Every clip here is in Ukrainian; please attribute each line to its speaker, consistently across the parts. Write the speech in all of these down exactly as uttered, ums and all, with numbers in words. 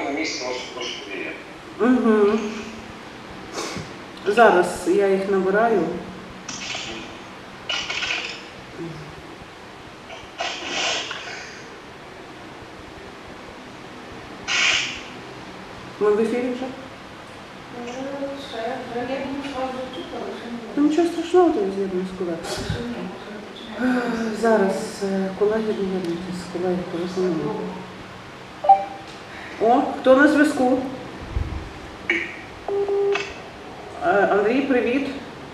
Speaker 1: на місці може трошки є.
Speaker 2: Угу. Зараз я їх набираю. Ми в ефірі вже? Ну, нічого страшного, то я з'єднуюсь з колегою. Зараз колеги доєднуйтесь, колеги порозуміли. О, хто на зв'язку? Андрій, привіт.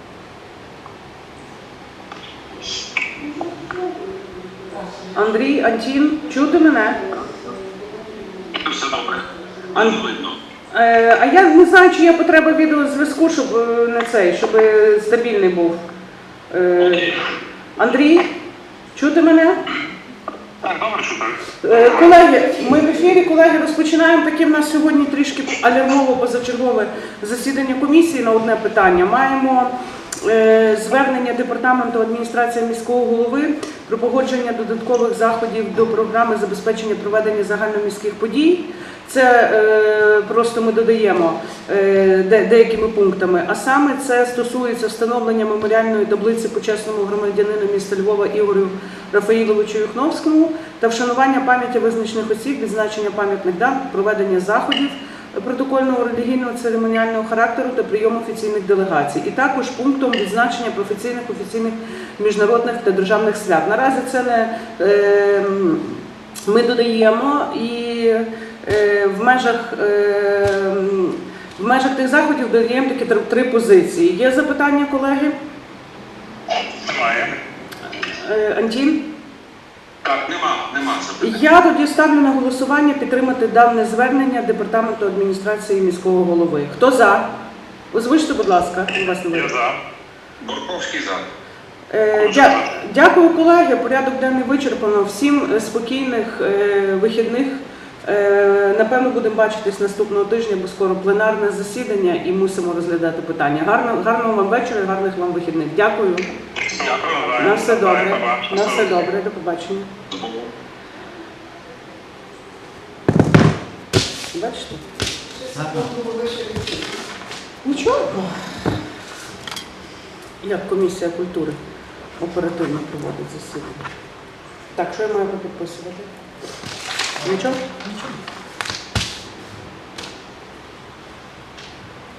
Speaker 2: Андрій, Антін, чути мене?
Speaker 1: Все добре.
Speaker 2: Ан... Е, а я не знаю, чи є потреба відеозв'язку, щоб не цей, щоб стабільний був. Е, Андрій, чути мене?
Speaker 1: Так, добре, чути.
Speaker 2: Е, колеги, ми в ефірі, колеги, розпочинаємо таке в нас сьогодні трішки алярмово позачергове засідання комісії на одне питання. Маємо е, звернення Департаменту адміністрації міського голови про погодження додаткових заходів до програми забезпечення проведення загальноміських подій. Це е, просто ми додаємо е, де, деякими пунктами, а саме це стосується встановлення меморіальної таблиці почесному громадянину міста Львова Ігорю Рафаїловичу Юхновському та вшанування пам'яті визначених осіб, відзначення пам'ятних дат, проведення заходів протокольного релігійного церемоніального характеру та прийому офіційних делегацій. І також пунктом відзначення професійних, офіційних, міжнародних та державних свят. Наразі це не е, ми додаємо і е, в межах, е, в межах тих заходів додаємо такі три, три позиції. Є запитання, колеги?
Speaker 1: Немає.
Speaker 2: Е, Антін?
Speaker 1: Так, нема, нема запитань.
Speaker 2: Я тоді ставлю на голосування підтримати дане звернення Департаменту адміністрації міського голови. Хто за? Озвучте, будь ласка. У вас не
Speaker 1: Я
Speaker 2: видно.
Speaker 1: за. Борковський за.
Speaker 2: Е, дя- Дякую, колеги. Порядок денний вичерпано. Всім е, спокійних е, вихідних. Е, Напевно, будемо бачитись наступного тижня, бо скоро пленарне засідання і мусимо розглядати питання. Гарно, гарного вам вечора, гарних вам вихідних. Дякую.
Speaker 1: Дякую.
Speaker 2: На все добре. На все добре. До побачення. Бачите? Нічого. Як комісія культури оперативно проводить засідання. Так, що я маю підписувати? Нічого? Нічого.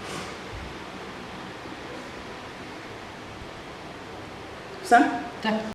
Speaker 2: Все?
Speaker 3: Так.